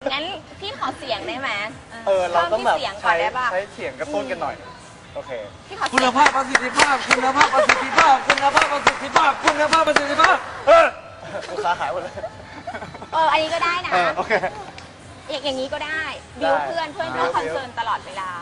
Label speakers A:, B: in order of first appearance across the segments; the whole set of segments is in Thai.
A: งั้นพี่ขอเสียงได้ไหม
B: เราต้องแบบ
A: เสียงก่อนได้ป่ะ
B: ใช้เสียงกระตุ้นกันหน่อยโอเค
A: พี่ขอเสียง
C: คุณภาพประสิทธิภาพคุณภาพประสิทธิภาพคุณภาพประสิทธิภาพคุณภาพประสิทธิภาพ
B: ลูกค้าหายหมดเลย
A: อันนี้ก็ได้นะ
B: โอเค
A: อย่างนี้ก็ได้บิวเพื่อนก็คอนเซิร์นตลอดเวลา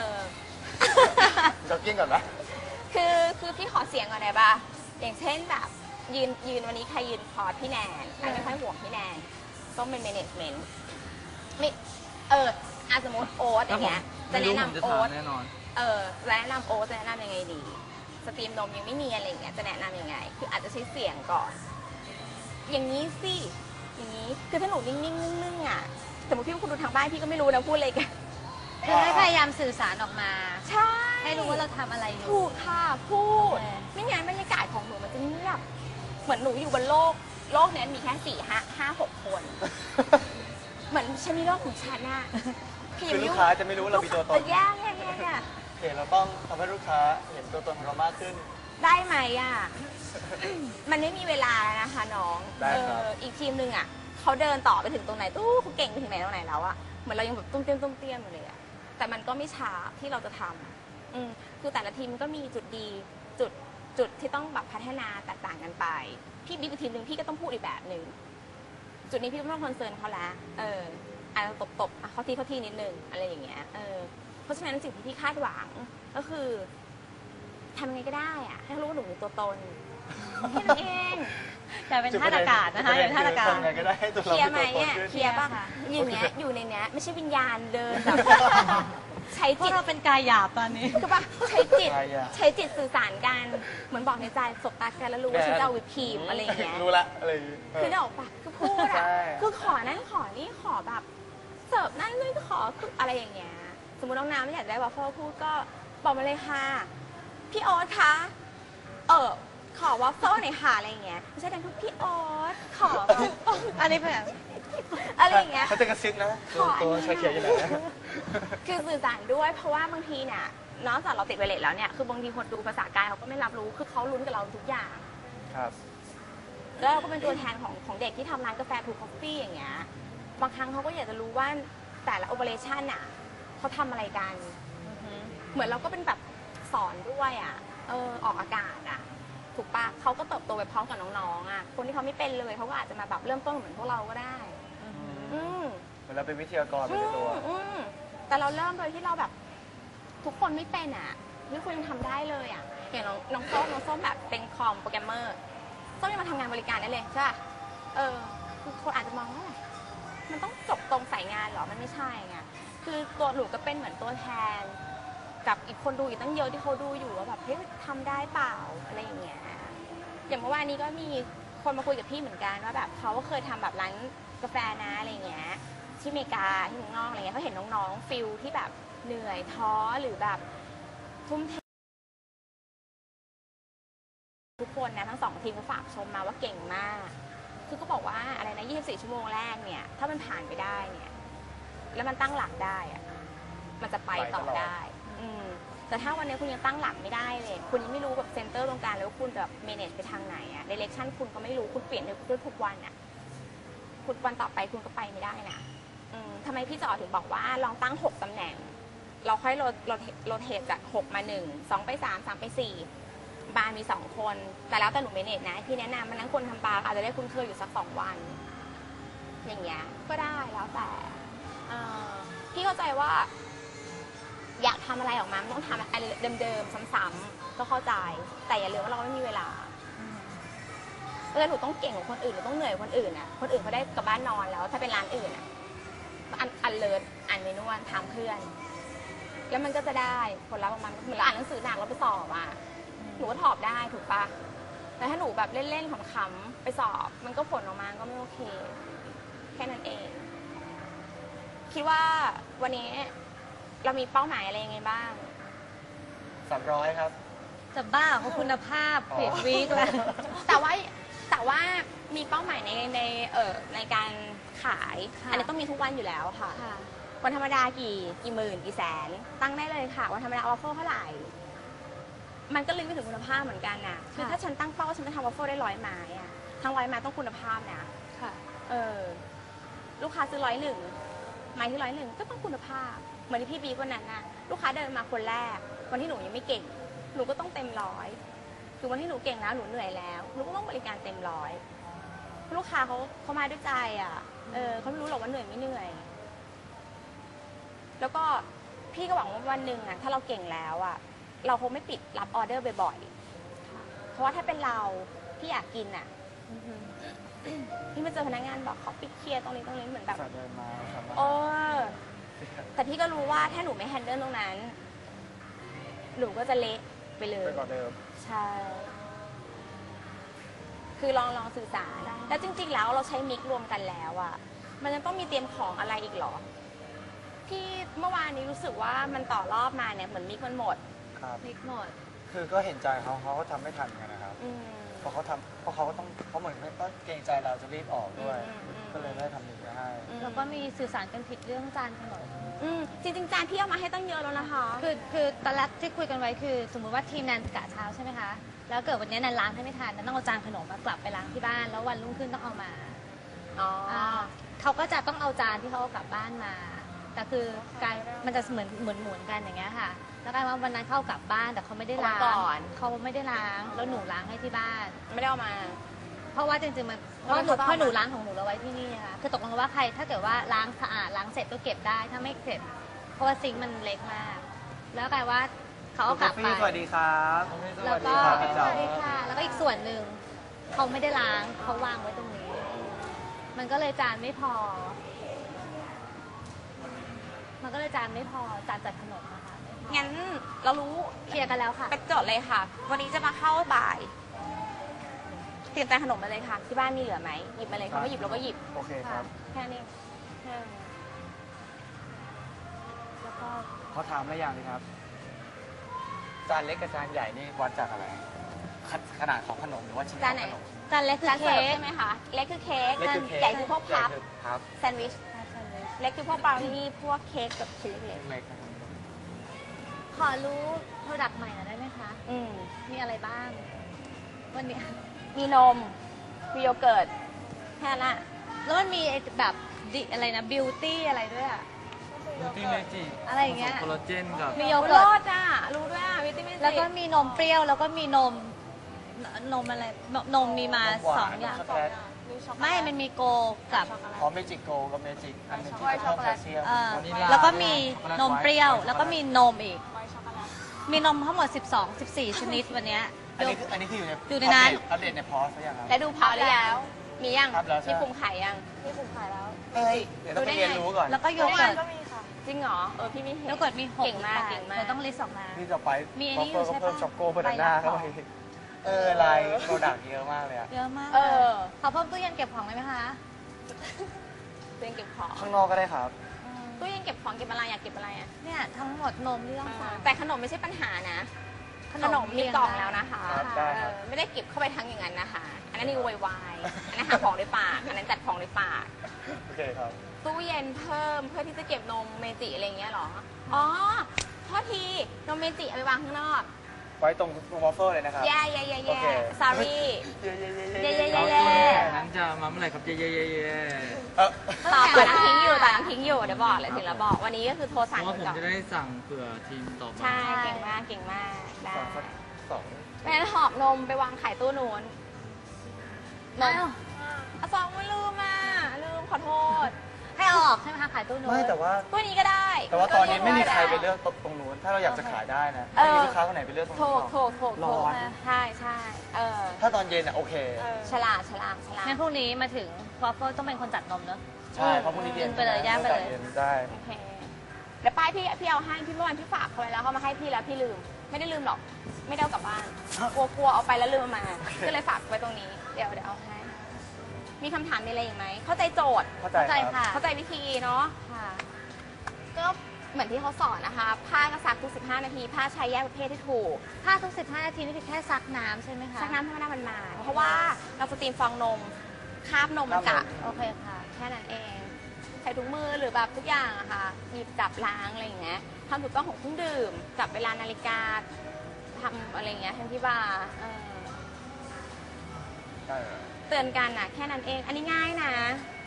B: จ็อกกิ้งก่อนนะ
A: คือพี่ขอเสียงก่อนได้ป่ะอย่างเช่นแบบยืนวันนี้ใครยืนคอร์สพี่แนนไม่ค่อยห่วงพี่แนนต้องเป็น management ไม่สมมติโอ๊ตอย่างเงี้ยจะแนะนำโอ๊ตแนะนำโอ๊ตจะแนะนำยังไงดีสตรีมนมยังไม่มีอะไรอย่างเงี้ยจะแนะนำยังไงคืออาจจะใช้เสียงก่อนอย่างนี้สิอย่างนี้คือถ้าหนูนิ่งๆนึ่งๆอ่ะสมมติพี่คุณดูทางบ้านพี่ก็ไม่รู้นะพูดอะไรกัน
D: คือให้พยายามสื่อสารออกมา
A: ใช่
D: ให้รู้ว่าเราทำอะไรอยู่
A: ถูกค่ะพูดไม่งั้นบรรยากาศของหนูมันจะเงียบเหมือนหนูอยู่บนโลกนี้มีแค่4-5-6 คนเหมือนฉันมีโลกของฉันน่ะ
B: คือลูกค้าจะไม่รู้ว่าเรามีตัวตน
A: แย่
B: โอเคเราต้องทำให้ลูกค้าเห็นตัวตนของเรามากขึ้น
A: ได้ไหมอ่ะมันไม่มีเวลาแล้วนะคะน้องอีกทีมหนึ่งอ่ะเขาเดินต่อไปถึงตรงไหนตู้เขาเก่งไปถึงไหนตรงไหนแล้วอ่ะเหมือนเรายังแบบตุ้มเตี้ยมอยู่เลยอ่ะแต่มันก็ไม่ช้าที่เราจะทำคือแต่ละทีมก็มีจุดดีจุดที่ต้องแบบพัฒนาแตกต่างกันไปพี่บิ๊กทีมหนึ่งพี่ก็ต้องพูดอีกแบบหนึ่งจุดนี้พี่ต้องคอนเซิร์นเขาแล้วอาจจะตบเขาที่นิดนึงอะไรอย่างเงี้ยเพราะฉะนั้นสิ่งที่พี่คาดหวังก็คือทำยังไงก็ได้อะให้รู้ว่าหนูมีตัวตนแค่นั้นเอง
D: แต่เป็นท่าอากาศนะคะอย่างท่าอากาศ
A: เคลียร์ไหมอ่ะเคลียร์ป่ะอยู่ในเนี้ยไม่ใช่วิญญาณเดินแบบใช้จิต
D: เราเป็นกายหยาบตอนนี้
A: คือป่ะใช้จิตสื่อสารกันเหมือนบอกในใจสบตากันแล้วรู้ว่าฉันจะเอาวิปครีมอะไรอย่างเงี้ย
B: รู้ละอะไร
A: คือได้ออกปะคือพูดอ่ะคือขอนั่นขอนี่ขอแบบเสิร์ฟนั่นนี่ขอคืออะไรอย่างเงี้ยสมมติน้องน้ำไม่อยากได้วอฟเฟิลพูดก็บอกมาเลยค่ะพี่โอ๊ตคะขอวอฟเฟิลหน่อยค่ะอะไรอย่างเงี้ยไม่ใช่ดังทุกพี่โอ๊ตขอ
D: อันนี้แบบ
A: อะไรอย่างเงี้ย
B: เขาจะกระซิบนะตัวชายเขียวอยู่ไหน
A: คือสื่อสารด้วยเพราะว่าบางทีเนี่ยนอกจากเราติดไวเลสแล้วเนี่ยคือบางทีคนดูภาษากายเขาก็ไม่รับรู้คือเขาลุ้นกับเราทุกอย่าง
B: ครับ
A: แล้วเราก็เป็นตัวแทนของเด็กที่ทำร้านกาแฟทูคอฟฟี่อย่างเงี้ยบางครั้งเขาก็อยากจะรู้ว่าแต่ละโอเปอเรชั่นอ่ะเขาทำอะไรกันเหมือนเราก็เป็นแบบสอนด้วยอ่ะออกอากาศอ่ะถูกปะเขาก็เติบโตไปพร้อมกับน้องๆอ่ะคนที่เขาไม่เป็นเลยเขาก็อาจจะมาแบบเริ่มต้นเหมือนพวกเราก็ได้
B: เหมือนเราเป็นวิทยากรเป็นตัว
A: แต่เราเริ่มโดยที่เราแบบทุกคนไม่เป็นอ่ะที่คุณยังทำได้เลยอ่ะอย่างน้องส้มแบบเป็นคอมโปรแกรมเมอร์ส้มยังมาทำงานบริการได้เลยใช่ป่ะคือคนอาจจะมองว่ามันต้องจบตรงสายงานหรอมันไม่ใช่ไงคือตัวหนูก็เป็นเหมือนตัวแทนกับอีกคนดูอีกตั้งเยอะที่เขาดูอยู่ว่าแบบเฮ้ยทำได้เปล่าอะไรอย่างเงี้ยอย่างเมื่อวานนี้ก็มีคนมาคุยกับพี่เหมือนกันว่าแบบเขาก็เคยทำแบบร้านกาแฟนะอะไรเงี้ยที่อเมริกาที่เมืองนอกอะไรเงี้ยเขาเห็นน้องๆฟิลที่แบบเหนื่อยท้อหรือแบบทุ่มเททุกคนนะทั้ง2ทีมก็ฝากชมมาว่าเก่งมากคือก็บอกว่าอะไรนะ24 ชั่วโมงแรกเนี่ยถ้ามันผ่านไปได้เนี่ยแล้วมันตั้งหลักได้อะมันจะไปต่อได้แต่ถ้าวันนี้คุณยังตั้งหลักไม่ได้เลยคุณยังไม่รู้แบบเซนเตอร์ตรงกลางแล้วคุณแบบเมเนจไปทางไหนอะเดเรคชั่นคุณก็ไม่รู้คุณเปลี่ยนด้วยทุกวันอะคุณวันต่อไปคุณก็ไปไม่ได้นะทำไมพี่จอถึงบอกว่าลองตั้ง6 ตำแหน่งเราค่อยโรเทตจาก6 มา 1 2 ไป 3 3 ไป 4บาร์มี2 คนแต่แล้วแต่หนูเมเนจนะพี่แนะนำมันนั้นคนทำบาร์อาจจะได้คุ้นเคยอยู่สัก2 วันอย่างเงี้ยก็ได้แล้วแต่พี่เข้าใจว่าอยากทำอะไรออกมาต้องทำอะไรเดิมๆซ้ำๆก็เข้าใจแต่อย่าลืมว่าเราไม่มีเวลาหนูต้องเก่งกว่าคนอื่นหนูต้องเหนื่อยกว่าคนอื่นอ่ะคนอื่นเขาได้กลับบ้านนอนแล้วถ้าเป็นร้านอื่นอ่ะอันเลิศอ่านเมนูทำเพื่อนแล้วมันก็จะได้ผลลัพธ์ออกมาเหมือนเราอ่านหนังสือหนักเราไปสอบอ่ะหนูก็สอบได้ถูกปะแต่ถ้าหนูแบบเล่นๆขำๆไปสอบมันก็ผลออกมาก็ไม่โอเคแค่นั้นเองคิดว่าวันนี้เรามีเป้าหมายอะไรยังไงบ้าง
B: 300ครับ
D: จะบ้าของคุณภาพเพจวีคแล้ว
A: แต่ว่ามีเป้าหมายในการขายอันนี้ต้องมีทุกวันอยู่แล้วค่ะวันธรรมดากี่หมื่นกี่แสนตั้งได้เลยค่ะวันธรรมดาออฟเฟอร์เท่าไหร่มันก็ลิงก์ไปถึงคุณภาพเหมือนกันนะคือถ้าฉันตั้งเป้าฉันจะทำออฟเฟอร์ได้100 ไม้อะทั้ง100 ไม้ต้องคุณภาพนะค่ะลูกค้าซื้อ101 ไม้ที่101ก็ต้องคุณภาพเหมือนที่พี่บีวันนั้นน่ะลูกค้าเดินมาคนแรกวันที่หนูยังไม่เก่งหนูก็ต้องเต็มร้อยคือวันที่หนูเก่งแล้วหนูเหนื่อยแล้วหนูก็ต้องบริการเต็มร้อยลูกค้าเขามาด้วยใจอ่ะเขาไม่รู้หรอกว่าเหนื่อยไม่เหนื่อยแล้วก็พี่ก็หวังว่าวันหนึ่งอ่ะถ้าเราเก่งแล้วอ่ะเราคงไม่ปิดรับออเดอร์บ่อยๆเพราะว่าถ้าเป็นเราที่อยากกินอ่ะพี่มาเจอพนักงานบอกเขาปิดเคลียร์ตรงนี้เหมือนแบบ
B: เดินมาครับ
A: แต่พี่ก็รู้ว่าถ้าหนูไม่แฮนเดิลตรงนั้นหนูก็จะเละไปเลย
B: ไปกว่าเดิม
A: ใช่ คือลองสื่อสาร แล้วจริงๆแล้วเราใช้มิกรวมกันแล้วอะมันยังต้องมีเตรียมของอะไรอีกเหรอ พี่เมื่อวานนี้รู้สึกว่ามันต่อรอบมาเนี่ยเหมือนมิกมันหมด
B: ครับ
D: พลิกหมด
B: คือก็เห็นใจเขาก็ทำไม่ทันกันนะครับ
A: อืม
B: เพราะเขาก็ต้องเขาเหมือนก็เกรงใจเราจะรีบออกด้วย ก็เลยไม่ได้ทำหนึ่งไปให้
D: แล้วก็มีสื่อสารกันผิดเรื่องจานขนม
A: จริงๆจานพี่เอามาให้ตั้งเยอะแล้วนะคะ
D: คือตอนแรกที่คุยกันไว้คือ สมมุติว่าทีมแนนกะเช้าใช่ไหมคะ แล้วเกิดวันนี้แนนล้างให้ไม่ทันแนนต้องเอาจานขนมมากลับไปล้างที่บ้าน แล้ววันรุ่งขึ้นต้องเอามา
A: อ๋อ
D: เขาก็จะต้องเอาจานที่เขาเอากลับบ้านมา แต่คือการมันจะเหมือนหมุนกันอย่างเงี้ยค่ะ แล้วกลายว่าวันนั้นเขาเอากลับบ้านแต่เขาไม่ได้ล้าง
A: เอามาก่อน
D: เขาไม่ได้ล้างแล้วหนูล้างให้ที่บ้าน
A: ไม่ได้เอามา
D: เพราะว่าจริงๆมันเพ
A: แล้ว
D: ราะ
A: เขาต้อง
D: หนูล้างของหนูเราไว้ที่นี่ค่ะคือตกลงกันว่าใครถ้าเกิดว่าล้างสะอาดล้างเสร็จก็เก็บได้ถ้าไม่เสร็จเพราะว่าซิงค์มันเล็กมาก แล้วกลายว่าเขาเอากลับไป
B: สวัสดีครับ
D: แล้วก็
B: สวัสดี
D: ส
B: ครับ
D: วัสดีค่ะแล้วก็อีกส่วนหนึ่งเขาไม่ได้ล้างเขาวางไว้ตรงนี้ มันก็เลยจานไม่พอ มันก็เลยจานไม่พอจานจัดขนมนะคะไม่พอ
A: งั้นเรารู้
D: เคลียร์กันแล้วค่ะ
A: ไปจดเลยค่ะ วันนี้จะมาเข้าบ่าย เตรียมจานขนมมาเลยค่ะ ที่บ้านมีเหลือไหมหยิบมาเลยเขาไม่หยิบเราก็หยิบ
B: โอเคครับ
A: แค่นี้เออ
D: แล้วก็
B: เขาถามอะไรอย่างนี้ครับ จานเล็กกับจานใหญ่นี่วัดจากอะไร ขนาดของขนมหรือว่าชิ้นของขนม
D: จานเล็กคือ
A: จานเสิ
D: เค้
A: ร์ฟ
D: ก
A: ใช่ไหมคะ เล็กคือเค้ก
B: เล็กคือเค้ก
A: ใหญ่คือพวกพับ
B: ใหญ่คือพับ
A: แซนด์วิช เล็กคือพวกบราวนี่พวกเค้กแบบชิ้นเล็ก
B: เล็กนะครับ
D: ขอรู้โปรดักต์ใหม่หน่อยได้ไหมคะ
A: ๆอืม
D: มีอะไรบ้าง วันนี้
A: มีนม มีโยเกิร์ต แค่นั้นอะ
D: แล้วมันมีไอ้แบบอะไรนะบิวตี้อะไรด้วยอะ
C: บิวตี้เมจิ
D: อะไรอย่างเงี้ย
C: คอลลาเจนกับ
D: มีโย
A: โอ้
D: เกิร์
A: โล
D: ต
A: ดอ่ะ รู้ด้วยอ่ะ วิตามินซี
D: แล้วก็มีนมเปรี้ยว แล้วก็มีนมอะไรนมมีมา
B: นมหวาน
D: สองอย่าง
B: ช็อกโกแลต
D: ไม่มันมีโกกับ
B: อ๋อเมจิโกกับเมจิกอันหนึงที่เพิ่มแคลเซียม
C: วานิลลา
D: แล้วก็มี
C: ช็อกโกแลต
D: นมเปรี้ยว
C: ไวท์
D: แล้วก็มีนมอีก มีนมทั้งหมด 14 ชนิดวันเนี้ย
B: อันนี้คืออยู่ใน
D: อยู่ในนั้น
B: อัปเดตในพอสหรือยังครับ
A: แล้วดูพอหรือยังมียัง
B: ครับแล้วใช่
A: มีปุ่มขายยังมีปุ่มขายแล้ว
B: เฮ้ยเดี๋ยวต้องไปเรียนรู้ก่อน
D: แล้วก็โยเกิร์ต
A: จริงเหรอ พี่ไม่เห็น
D: โยเกิร์ตมี6
A: เก่งมาก
D: 8
A: เก่งมาก
D: เธอต้องลิสต์ออกมา
B: ที่จะไป
D: มีอัน
B: บอ
D: นี้
B: ฟเฟอร์
D: อยู่
B: ก็
D: ใช่ปะ
B: เพิ่มช็อกโกบานาน่าเข้าไปลายโปรดักต์เยอะมากเลยอะ
D: เยอะมาก
A: เออ
D: ขอเพิ่มตู้เย็นเก็บของได้ไหมคะ
A: ตู้เย็นเก็บของ
B: ข้างนอกก็ได้ครับ
A: ตู้เย็นเก็บของเก็บอะไรอยากเก็บอะไรอ่ะ
D: เนี่ยทั้งหมดนมที่ต้องสั่ง
A: แต่ขนมไม่ใช่ปัญหานะ ขนมมีกล่องแล้วนะคะ
B: ครับได้ครับ
A: ไม่ได้เก็บเข้าไปทั้งอย่างนั้นนะคะ อันนั้นนี่วายอันนั้นหาของด้วยปาก อันนั้นจัดของด้วยปาก
B: โอเคครับ
A: ตู้เย็นเพิ่มเพื่อที่จะเก็บนมเมจิอะไรอย่างเงี้ยเหรอ อ๋อโทษทีนมเมจิเอาไปวางข้างนอก
B: ไว้ตรงวอฟเฟิลเลยนะครับ
A: แย่
B: โอเค
A: sorry
B: เย้
A: เย้
C: เรา
A: เย้
C: ตัวนั้นจะมาเมื่อไหร่ครับเย่
B: เออ
A: ต่อน้ำทิ้งอยู่ต่อน้ำทิ้งอยู่เดี๋ยวบอกเลยถึงแล้วบอก วันนี้ก็คือโทร
C: เพ
A: สั่ง
C: ราะว่าผม
A: ก่อน
C: จะได้สั่งเผื่อทีมต่อไป
A: ใช่ เก่งมาก เก่งมาก ได้
B: สอง
A: ไม่งั้นหอบนมไปวางขายตู้นู้นนม
D: อ้าว
A: อะซองไม่ลืมอ่ะ ลืมขอโทษ
D: ให้เอาออกใช่ไหมคะขายตู้นู้น
B: ไม่แต่ว่า
A: ตู้นี้ก็ได้
B: แต่ว่าตอนนี้ไม่มีใครไป
A: เลื
B: เลื
A: อก
B: อกตรงนู้น ถ้าเราอยากจะขายได้นะ
A: เออ
B: ไม่มีลูกค้าคนไหนไปเลือกตรง
A: โถ
B: นู้นหรอก ร้อน
A: ใช่ใช่เออ
B: ถ้าตอนเย็นอ่ะโอเค
A: ฉลาด
D: งั้นพรุ่งนี้มาถึงวอฟเฟิลต้องเป็นคนจัดนมเนอะ
B: ใช่เพราะพรุ่งนี้เย็น
D: ไปเลยย่างไปเลย
B: ย็นได้
A: โอเคเดี๋ยวป้ายพี่เอาให้พี่เมื่อวานพี่ฝากเขาไว้แล้วเขามาให้พี่แล้วพี่ลืม ไม่ได้ลืมหรอก ไม่ได้เอากลับบ้าน กลัวเอาไปแล้วลืมเอามา ก็เลยฝากไว้ตรงนี้ เดี๋ยวเอาให้ มีคำถามมีอะไรอีกไหม เข้าใจโจทย์
B: เข้าใจ
D: เข้าใจ
B: ครับ
D: ค่ะ
A: เข้าใจวิธีเนาะ
D: ค่ะ
A: ก็เหมือนที่เขาสอนนะคะ ผ้าก็ซักทุก15 นาที ผ้าใช้แยกประเภทที่ถูก
D: ถ้าทุก15 นาทีนี่คือแค่ซักน้ำใช่ไหมคะ
A: ซักน้ำธรรมดามันมาเพราะว่าเราสตรีมฟองนม คราบนมมันกะ
D: โอเคค่ะ
A: แค่นั้นเอง ใส่ถุงมือหรือแบบทุกอย่างอะค่ะ หยิบจับล้างอะไรอย่างเงี้ยทำถูกต้องของเครื่องดื่ม จับเวลานาฬิกาทำอะไรอย่างเงี้ยทั้งที่บาร์
B: ใช่
A: เตือนกันอะแค่นั้นเอง อันนี้ง่ายนะ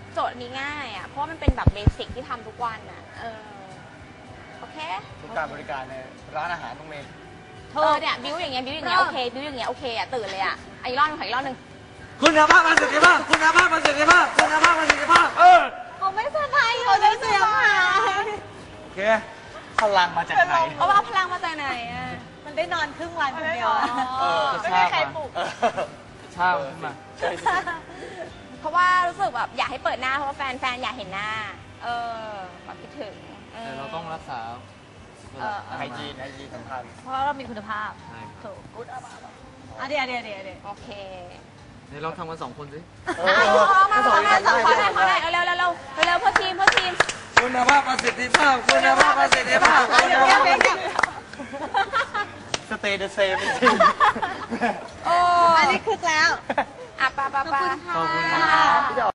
A: โจทย์นี้ง่ายอ่ะ เพราะว่ามันเป็นแบบเบสิกที่ทำทุกวันอ่ะ โอเค
B: ทุกการบริการในร้านอาหารต้องมี
A: เนี่ยบิวอย่างเงี้ยบิวอย่างเงี้ยโอเคบิวอย่างเงี้ยโอเคอ่ะตื่นเลยอ่ะอีกรอบนึงขออีกรอบนึง
C: คุณภาพประสิทธิภาพคุณภาพประสิทธิภาพคุณภาพประสิทธิภาพ
D: เขาไม่สบายเขาจะเสียงหาย
C: โอเค
B: พลังมาจากไหน
A: เพราะว่าพลังมาจากไหนอ่ะ
D: มันได้นอนครึ่งวันคนเดียว
A: ไม่มีใครปลุก
C: เช่าขึ้นมา
B: ใช่สิ
A: เพราะว่ารู้สึกแบบอยากให้เปิดหน้าเพราะว่าแฟนอยากเห็นหน้า แบบคิดถึง
C: แต่เราต้องรักษา
B: ไอจีสำคัญ
D: เพราะว่าเรามีคุณภาพ
C: ใช่
D: ถูกเดี๋ยว
A: โอเค
C: เดี๋ยวลองทำกัน2 คนสิ
A: มาขอหน่อยเร็วเพื่อทีม
C: คุณภาพประสิทธิภาพคุณภาพประสิทธิภาพ
B: สเตย์เดอะเซมจริง
A: โอ้
D: อันนี้คึกแล้ว
A: อ่ะปะ
C: ขอบคุณค่ะ